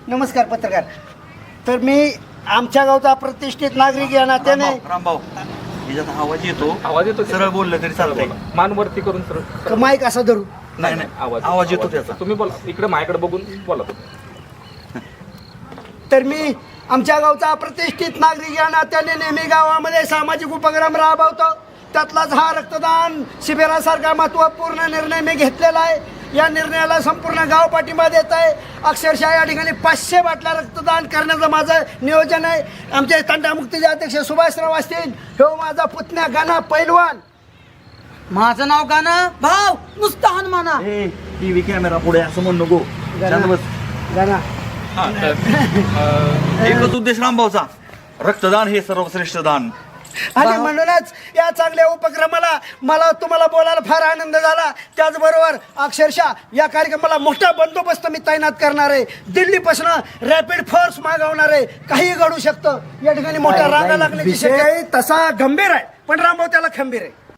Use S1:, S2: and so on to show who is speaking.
S1: नमस्कार पत्रकार. तर मी आमच्या गावचा प्रतिष्ठित नागरिक या नात्याने
S2: रामभाऊ याच्यात आवाज येतो सरळ बोललं तरी चालतंय.
S3: मान वरती करून सरळ
S1: माईक असा धरू.
S2: नाही आवाज येतो त्याचा.
S3: तुम्ही बोला, इकडे माझ्याकडे बघून बोला तुम्ही.
S1: तर मी आमच्या गावचा प्रतिष्ठित नागरिक या नात्याने नेहमी गावामध्ये सामाजिक उपक्रम राबवतो. त्यातलाच हा रक्तदान शिबिरासारखा महत्त्वपूर्ण निर्णय मी घेतलेला आहे. या निर्णयाला संपूर्ण गाव पाठिंबा देत आहे. अक्षरशः या ठिकाणी 500 बाटल्या रक्तदान करण्याचं माझं नियोजन आहे. आमचे तंटामुक्तीचे अध्यक्ष सुभाषराव असतील, हो माझा पुतण्या गाणा पैलवान.
S4: माझं नाव गाणं भाऊ नुसतं हनुमाना.
S2: टीव्ही कॅमेरा पुढे असं म्हणू नको. शांत बस.
S1: गाणा
S3: हा, तर
S2: एकच उद्देश रामभाऊचा, रक्तदान हे सर्वश्रेष्ठ दान.
S1: आणि म्हणूनच या चांगल्या उपक्रमाला मला तुम्हाला बोलायला फार आनंद झाला. त्याचबरोबर अक्षरशः या कार्यक्रमाला मोठा बंदोबस्त मी तैनात करणार आहे. दिल्लीपासून रॅपिड फोर्स मागवणार आहे. काही घडू शकतं. या ठिकाणी मोठ्या रांगा लागण्याची शक्यता तसा गंभीर आहे, पण रामभाऊ त्याला खंबीर आहे.